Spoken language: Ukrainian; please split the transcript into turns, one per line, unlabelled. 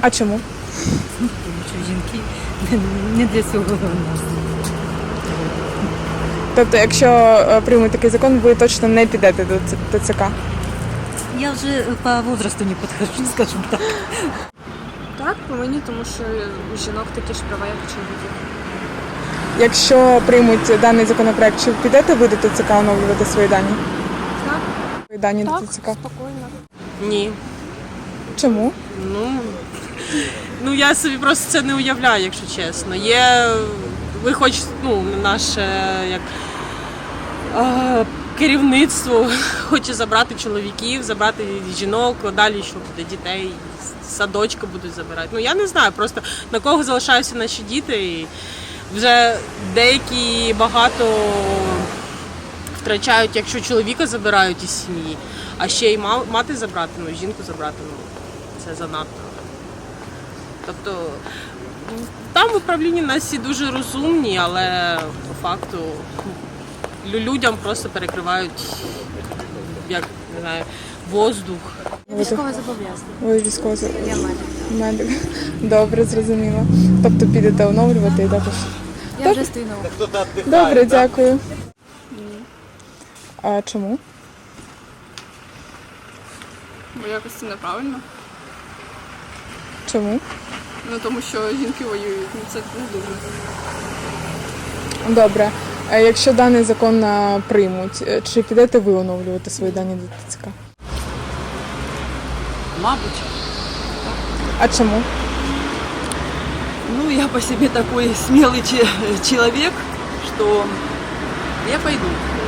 А чому?
Тому що жінки не для цього у нас.
Тобто, якщо приймуть такий закон, ви точно не підете до ТЦК?
Я вже по возрасту не підходжу, скажімо так.
Так, повинні, тому що у жінок такі ж права, як у чоловіків.
Якщо приймуть даний законопроект, чи підете ви до ТЦК оновлювати свої дані?
Так,
Свої дані
так,
до ТЦК?
спокійно.
Ні.
Чому?
Ну я собі просто це не уявляю, якщо чесно. Є, ви хоч, наше як керівництво хоче забрати чоловіків, забрати жінок, далі що буде, дітей, з садочка будуть забирати. Ну я не знаю, просто на кого залишаються наші діти. І вже деякі багато втрачають, якщо чоловіка забирають із сім'ї, а ще й мати забрати, жінку забрати, це занадто. Тобто там в управлінні нас всі дуже розумні, але по факту людям просто перекривають, як не знаю, воздух.
Військове зобов'язання.
Ви військово...
Я медик.
медик. Добре, зрозуміло. Тобто підете оновлювати і також.
Я вже стою на обліку.
Добре, дякую. А чому?
Бо якось це неправильно.
Чому?
Ну тому що жінки воюють, це не дуже.
Добре. А якщо даний закон приймуть, чи підете ви оновлювати свої дані до ТЦК?
Мабуть.
А чому?
Ну, я по себе такой смелый человек, что я пойду.